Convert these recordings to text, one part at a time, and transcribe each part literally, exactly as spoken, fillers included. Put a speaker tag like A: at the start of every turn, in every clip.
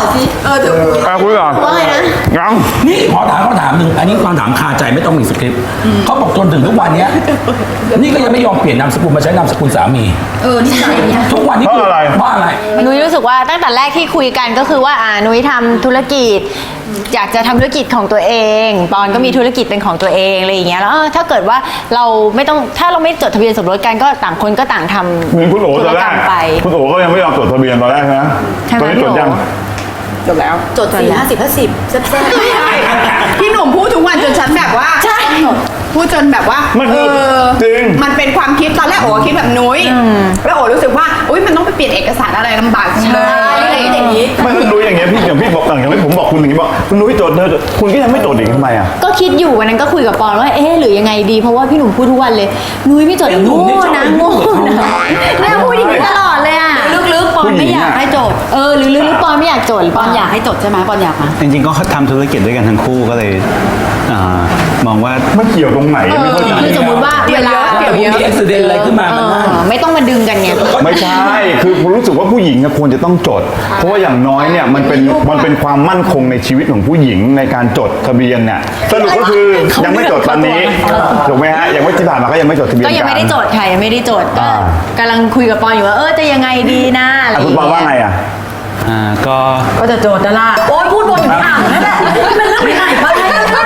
A: สิเออเดี๋ยวคุย
B: อ่ะคุยก่อน
A: ว่าไงนะ
B: ยัง
C: นี่ขอถามขอถามหนึ่งอันนี้ความถามคาใจไม่ต้องมีสคริปต์เขาบอกจนถึงทุกวันเนี้ยนี่ก็ยังไม่ยอมเปลี่ยนนามสกุลมาใช้นามสกุลสามี
A: เออนิสัยเนี่ย
C: ทุกวันนี้คือว่าอะไร
D: นุ้ยรู้สึกว่าตั้งแต่แรกที่คุยกันก็คือว่าอ่านุ้ยทำธุรกิจ อยากจะทำธุรกิจของตัวเองปอนก็มีธุรกิจเป็นของตัวเองอะไรอย่างเงี้ยแล้วเออถ้าเกิดว่าเราไม่ต้องถ้าเราไม่จดทะเบียนสมรสกันก็ต่างคนก็ต่างทำ
B: เหมือนคุณโอ๋
D: ธุ
B: ต
D: ร
B: อนแร
D: กรร
B: ก
D: มไป
B: คุณโอ๋ก็ยังไม่ยอมจดทะเบียนตอนแรกนะ
D: ใช่ไหม
B: ตอนนี้จด
D: พี่โอ๋
B: ยัง
A: จบแล้วจดสี่ห้าสิบห้าสิบแซ่บๆไม่ใช่พี่หนุ่มพูดทุกวันจนฉันแบบว่าใช่พูดจนแบบว่า
B: มัน
A: เอ
B: คือ
A: อ
B: จริง
A: มันเป็นความคิดตอนแรกโอ๋คิดแบบนุ้ยแล้วโอ๋รู้สึกว่าอุ้ยมันต้องไปเปลี่ยนเอกสารอะไรลำบากจังเลยอะไรอย่างนี้
B: ไม่คุณนุ้ยอย่างเงี้ยพี่อย่างพี่บอกอย่างที่ผมบอกคุณอย่างนี้บอกคุณนุ้ยจดเธอคุณก็ยังไม่จดอีกทำไมอ่ะ
D: ก็คิดอยู่วันนั้นก็คุยกับปอนว่าเอ๊ะหรือยังไงดีเพราะว่าพี่หนุ่มพูดทุกวันเลยนุ้ยไม่จด
C: ไอ้หนุ่
D: โง่
C: มนี่ชอบ
D: นะ
C: ไปพู
D: โง่
C: ดกับเขา
D: นะแม่พูดอย่างนี้ตลอดเลยอ่ะ
A: ลึกๆปอนไม่อยากให้จด
D: เออหรือหรือหรือปอนไม่อยากจดหรือ
A: ป
D: ป
A: อ
D: อนนอยาก ก
A: อายให้จดใช่ไหมปอนอยากมา
E: จริงๆก็ทำธุรกิจด้วยกันทั้งคู่ก็เลยอามองว่า
B: มันเกี่ยวตรงไหนไม่เข้าใจ
D: คือสมมติว่าเวลา
C: แต่ผมมีอุบิเหตุอะไรขึ้นมา
D: เอ
C: มันน่า
D: อไม่ต้องมาดึงกันไง
B: ไม่ใช่ คือผมรู้สึกว่าผู้หญิงเนี่ยควรจะต้องจด เพราะว่าอย่างน้อยเนี่ยมันเป็นมันเป็นความมั่นคงในชีวิตของผู้หญิงในการจดทะเบียนเนี่ยสรุปก็คือยังไม่จดตอนนี้ถูกไหมฮะยังไม่ที่ผ่านมาก็ยังไม่จดทะเบียน
D: ก็ยังไม่ได้จดค่ะยังไม่ได้จดก็
B: อ่า
D: กำลังคุยกับปอนอยู่ว่าเออจะยังไงดีนะอะไรอ
B: อ่ะ
D: ย่าง
B: คุณปอ
D: เงี้
B: ว่าไง
D: ย
B: อ่ะ
E: อ่าก็
A: ก็จะโจทย์นะล่ะโอ๊ยพูดวนอยู่ที่อ่างนั่นแหละเป็นเรื่องที่ไหนบ้าง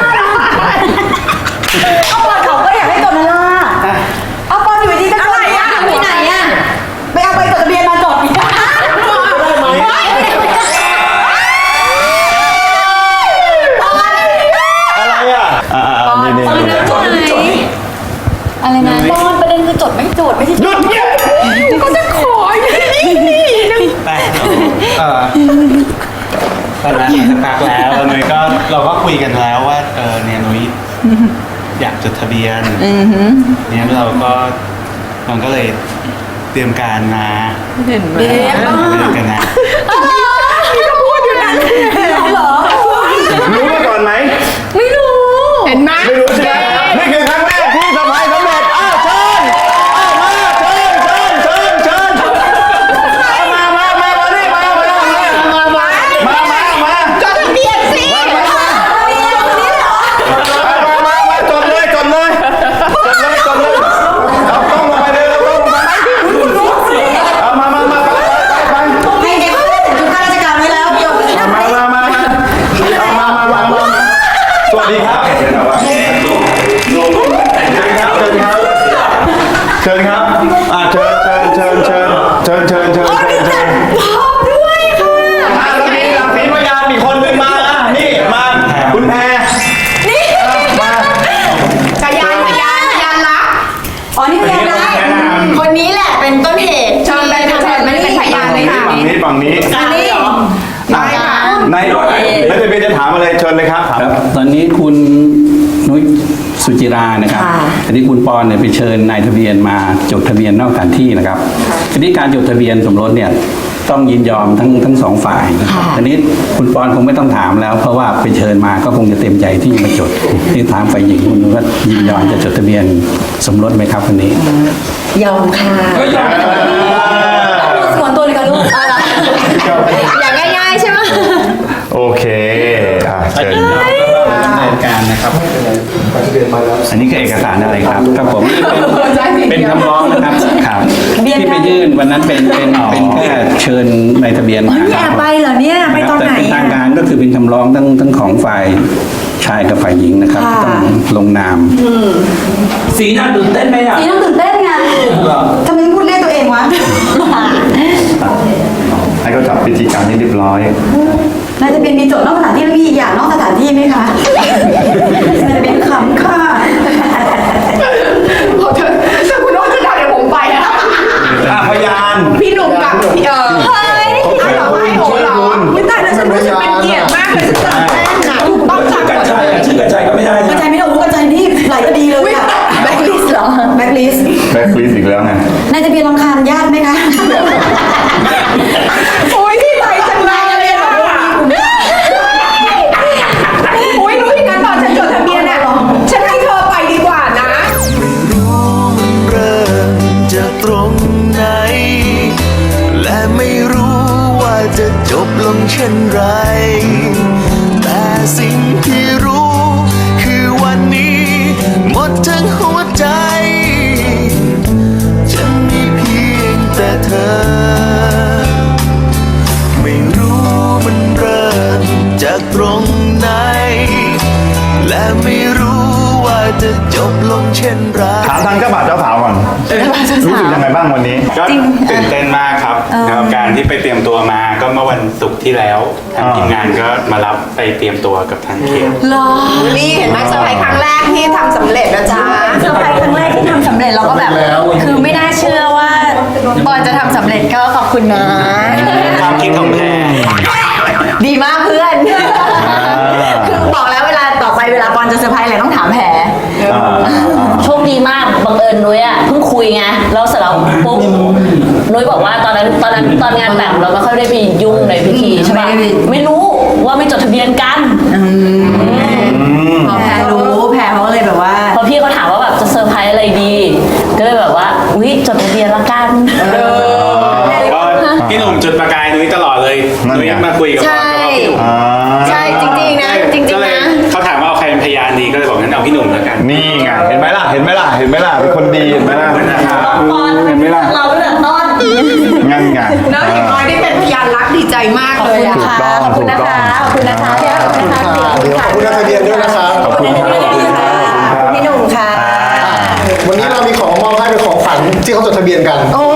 A: เอาปอนเขาก็อยากให้จดนะล่ะเอาปอนอยู่ดีก็จดอะไรอ่ะที่ไหนอ่ะไปเอาใบจดทะเบียนมาจดอีก
B: อะไรอ่ะอ่านี่นี่
C: จดไม่จด
D: อะไรนะ
A: ปอนประเด็นคือจดไม่จดไม่ใช่
B: หยุดเงียบ
A: ก็จะขออย่างนี้
E: แต่เออตอนนั้นสักพักแล้วแล้วนุ้ยก็เราก็คุยกันแล้วว่าเออเนี่ยนุ้ยอยากจดทะเบียนเนี่ยเราก็มันก็เลยเตรียมการมา
A: เห็นไหม
E: เตรียมกันนะ
A: เหรอ
B: รู้มาก่อนไหม
A: ไม่รู้ เห็นไหม
B: ไม่รู้ใช่ไหมนี่คือครั้งแรกที่สะพายสำเร็จอ้าวเชิญอ้าวมาเชิญเชิญเชิญเชิญเอามามามามานี่มามามามามามามา
A: จดทะเบียนสิ
B: มามามามาจดเลยจดเลยจดเลยจดเลยเอาต้องลงไปเลยเอาต้องลงไปเอามามามาไปไป
A: ให้เด็กจุดข้าราชการไว้แล้วจดเลย
B: มามามามาเอามามามามาสวัสดีครับเชิญครับเชิญครับอ่าเชิญเชิญเชิญเชิญเชิญเชิญเชิญเชิญเชิญ
A: พร้อมด้วยค่ะ
B: มาแล้วมีหลักศรีพยานมีคนหนึ่งมาอ่ะนี่มาคุณแพร
A: นี่
B: มา
A: พยานพยานพยานรักอ๋อนี่พยานรัก
D: คนนี้แหละเป็นต้นเหตุ
A: เชิญไปเชิญไม่ได้เป็นพยานเลยค่ะ
B: ฝั่งนี้ฝั่งนี้
A: อันนี้ได้ค่ะ
B: นายนายทะเบียนจะถามอะไรเชิญเลยครับ
F: ครับตอนนี้คุณนุ้ยสุจิรานะครับ
A: ค่ะ
F: อันนี้คุณปอนเนี่ยไปเชิญนายทะเบียนมาจดทะเบียนนอกสถานที่นะครับทีนี้การจดทะเบียนสมรสเนี่ยต้องยินยอมทั้งทั้งสองฝ่ายนะครับทีนี้คุณปอนคงไม่ต้องถามแล้ว เพราะว่าไปเชิญมาก็คงจะเต็มใจที่จะมาจดที่ถามฝ่ายหญิงคุณนุ้ยว่ายินยอมจะจดทะเบียนสมรสไหมครับวันนี้
A: ยอมค่ะ
C: ก็ยอม
A: สวนตัวเลยค่ะลูก
D: อย่างง่ายๆใช่ไหม
B: โอเคอ่ะเชิญ
F: ดำเนินการนะครับ อันนี้คือเอกสารอะไรครับครับผมเป็นเป็นคำร้องนะครับครับที่ไปยื่นวันนั้นเป็นเป็นเป็นแค่เชิญในทะเบียนมา
A: แอบไปเหรอเนี่ยไปตอนไหน
F: แต่เป็นทาง
A: อ่ะ
F: การก็คือเป็นคำร้องทั้งทั้งของฝ่ายชายกับฝ่ายหญิงนะครับ
A: ค่ะ
F: ต้องลงนาม
C: สีหน้าตื่นเต้นไหมอ่ะ
A: นี่ต้องตื่นเต้นไงทำไมพูดเรียกตัวเองวะ
B: ให้เขาจับพิธีการให้เรียบร้อย
A: นายจะเป็นมีโจทย์นอกสถานที่แล้วมีอีกอย่างนอกสถานที่ไหมคะนายจะเป็นคำค่ะพอเธอถ้าคุณโน้ตจะด่าเดี๋ยวผมไปนะ
B: อ่ะพยาน
A: พี่หนุ่มกับพี่เออเฮ้ยเอาเหรอไม่โหเหรอไม่ตายแล้วฉันรู้สึกเป็นเกียรติมากเลยฉันตื่นเต้นนะถูกต้องจัง
C: กัญชัยอ่ะชื่อกัญชัยก็ไม่ได้
A: กระ
C: นะ
A: จายไม่ได้โอ้กระจายนี่หลายคดีเลยอะแบ็คลิสต์เหรอแบ็คลิสต์
B: แบ็คลิสต์อีกแล้วไง
A: นายจะเป็นรำคาญญาติไหมคะโอ้ยที่ไหนจังเลยเลยอ่ะโอ้ยรู้ที่งั้นตอนฉันจดทะเบียนอ่ะฉันให้เธอไปดีกว่านะ
G: ไม่รู้มันเริ่มจากตรงไหน และไม่รู้ว่าจะจบลงเช่นไร แต่สิ่งที่รู้คือวันนี้หมดทั้งหัวใจจะมีเพียงแต่เธอ ไม่รู้มันเริ่มจากตรงไหน และไม่รู้ว่าจะจบลงเช่นไร
B: ถามทางเจ้าบ่าวเจ้าสาวก่อน รู้สึกยังไงบ้างวันนี้
E: ก็ตื่นเต้นมากครับกับการที่ไปเตรียมตัวมาก็เมื่อวันศุกร์ที่แล้วทางทีมงานก็มารับไปเตรียมตัวกับทางเขต
A: หรอนี่เห็นไหมเซอร์ไพรส์ครั้งแรกที่ทำสำเร็จนะจ๊ะ
D: เซอร์ไพรส์ครั้งแรกที่ทำสำเร็จเราก็แบบ คือไม่น่าเชื่อว่าปอนจะทำสำเร็จก็ขอบคุณนะ
E: ความคิดของแพร
D: ดีมากเพื่อน คือบอกแล้วเวลาต่อไปเวลาปอนจะเซอร์ไพรส์อะไรต้องถามแผล
H: โชคดีมากบังเอิญนุ้ยอ่ะเพิ่งคุยไงแล้วเสร็จแล้วปุ๊บนุ้ยบอกว่าตอนนั้นตอนนั้นตอนงานแต่งเราไม่ค่อยได้ไปยุ่งในพิธีใช่ปะไม่รู้ว่าไม่จดทะเบียนกัน
D: แผลรู้แผลเขาก็เลยแบบว่า
H: พอพี่เขาถามว่าแบบจะเซอร์ไพรส์อะไรดี ก็เลยแบบว่าอุ้ยจดทะเบียนละกัน
E: ก็พี่หนุ่มจุดประกายนุ้ยตลอดเลย
B: นั่นไง
E: นุ้ยมาคุยกับ
D: ใช่
E: พ่อพี่หนุ่ม
B: อ่า
D: ใช่จริงๆนะจริง
E: ก็
D: ๆ
E: เลย
D: นะ
E: เขาถามว่าเอาใครเป็นพยานดีก็เลยบอกงั้นเอาพี่หนุ่มแล้วกัน
B: นี่ไง เห็นไหมล่ะ เห็นไหมล่ะ เห็นไหมล่ะ เป็นคนดี เห็นไหมล่ะ
H: ปอน
B: เห็นไหมล่ะ
H: เราตั้งแต่ต้น
B: งั้นไง
A: เนอะอย่างน้อยได้เป็นพยานรักดีใจมากเลยอะ
B: ถูกต้อง
D: ขอบคุ
B: ถู
D: ณ
B: ก
D: นะ
B: ต้อง
D: คะขอบคุณนะคะพี่ขอบคุณนะคะ
I: เดี๋ยวขอบคุณนักทะเบียนด้วยนะครับ
B: ขอบคุณครับ ขอบคุณครับ
D: พี่หนุ่มค่ะ
I: วันนี้เรามีของมอบให้เป็นของขวัญที่เขาจดทะเบียนกัน
D: โอ้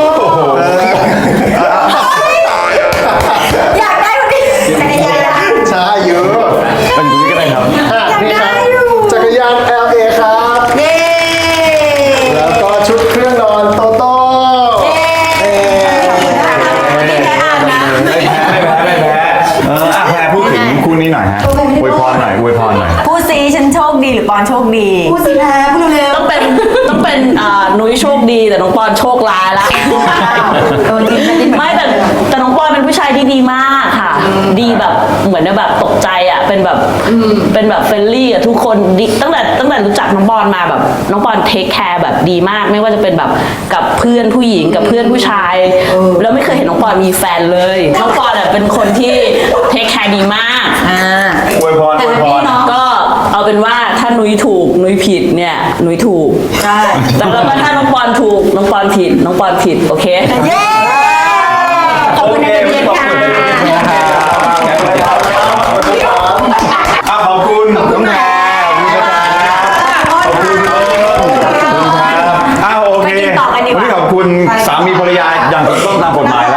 D: อยากได้วันนี้จักรยาน
I: ใช่เยอะ
B: เป็นอย่างนี้ก็ได้ครับ
I: อ่ะนี่ครับจักรยาน แอล เอ ครับ
D: เย้
I: แล้วก็ชุดเครื่องนอนโตโต้เอ้
D: ไม่แพ้อ่านนะ
B: ไม่แพ้ไม่แพ้ไม่แพ้เอออ่ะแพรพูดถึงคู่นี้หน่อยฮะอวยพรหน่อยอวยพรหน่อย
D: พูดซีฉันโชคดีหรือปอนโชคดี
A: พูดสิแพ้พูดเร็ว
H: ต้องเป็นต้องเป็นอ่านุ้ยโชคดีแต่น้องปอนโชคร้ายละ
D: เออจริงจริง
H: ไม่แต่แต่น้องปอนเป็นผู้ชายที่ดีมากค่ะ ดีแบบเหมือนแบบตกใจอ่ะเป็นแบบเป็นแบบเฟรนลี่อ่ะทุกคนดีตั้งแต่ตั้งแต่รู้จักน้องปอนมาแบบน้องปอนเทคแคร์แบบดีมาก ไม่ว่าจะเป็นแบบกับเพื่อนผู้หญิงกับเพื่อนผู้ชายแล้วไม่เคยเห็นน้องปอนมีแฟนเลยน้องปอนอ่ะเป็นคนที่เทคแคร์ดีมาก
D: อ่า
B: อวยพรอวยพร
H: ก็เอาเป็นว่าถ้านุ้ยถูกนุ้ยผิดเนี่ยนุ้ยถูก
D: ใช่
H: แต่แล้วก็ถ้าน้องปอนถูกน้องปอนผิดน้องปอนผิดโอเค
D: เย้ขอบคุณนะเจนค่ะ
B: อ่ะขอบคุณน้องแพรขอบคุณครับขอบคุณครับอ้าวโอเค
D: ไปกินต่อกันดีกว่า
B: วันนี้ขอบคุณสามีภรรยาอย่างถูกต้องตามกฎหมาย